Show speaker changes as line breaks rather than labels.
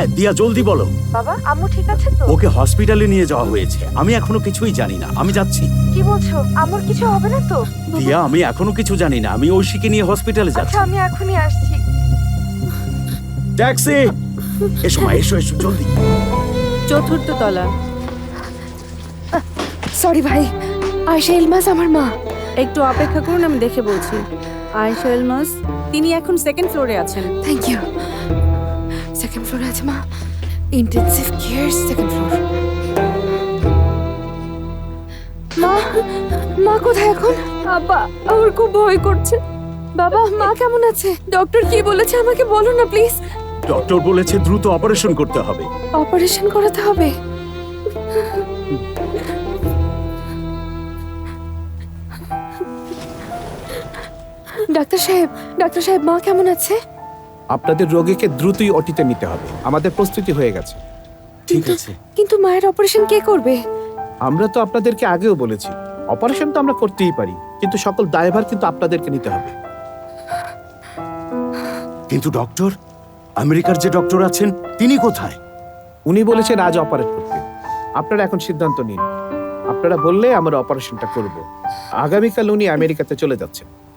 কোথায়? দিয়া জলদি বলো।
বাবা, আম্মু ঠিক আছে তো?
ওকে হসপিটালে নিয়ে যাওয়া হয়েছে। আমি এখনো কিছুই জানি না। আমি যাচ্ছি।
কি বলছো? আম্মুর কিছু হবে না তো?
দিয়া, আমি এখনো কিছু জানি না। আমি ঐশীকে নিয়ে হসপিটালে
আচ্ছা,
যাচ্ছি।
আমি এখনই আসছি।
ট্যাক্সি! এসো মা, এসো এসো জলদি।
চতুর্থ তলা।
সরি ভাই, আয়েশা ইলমাস আমার মা।
একটু অপেক্ষা করুন, আমি দেখে বলছি। আয়েশা ইলমাস, তিনি এখন সেকেন্ড ফ্লোরে আছেন।
Thank you. সেকেন্ড ফ্লোরে আছে মা। Intensive care second floor. মা, মা কোথায় এখন? আব্বা, আমার খুব ভয় করছে। বাবা, মা কেমন আছে? ডক্টর কি বলেছে আমাকে বলো না প্লিজ।
ডক্টর বলেছে দ্রুত অপারেশন করতে হবে।
অপারেশন করাতে হবে? ডাক্তার সাহেব, মা কেমন আছে?
আপনাদের রোগীকে দ্রুতই ওটিতে নিতে হবে। আমাদের প্রস্তুতি হয়ে গেছে।
ঠিক আছে।
কিন্তু মায়ের অপারেশন কে করবে?
আমরা তো আপনাদেরকে আগেও বলেছি, অপারেশন তো আমরা করতেই পারি, কিন্তু সকল দায়ভার কিন্তু আপনাদেরকে নিতে হবে।
কিন্তু ডক্টর, আমেরিকার যে ডক্টর আছেন তিনি কোথায়?
উনি বলেছেন আজ অপারেট করতে। আপনারা এখন সিদ্ধান্ত নিন। আপনারা বললে আমরা অপারেশনটা করব। আগামীকাল উনি আমেরিকাতে চলে যাচ্ছেন।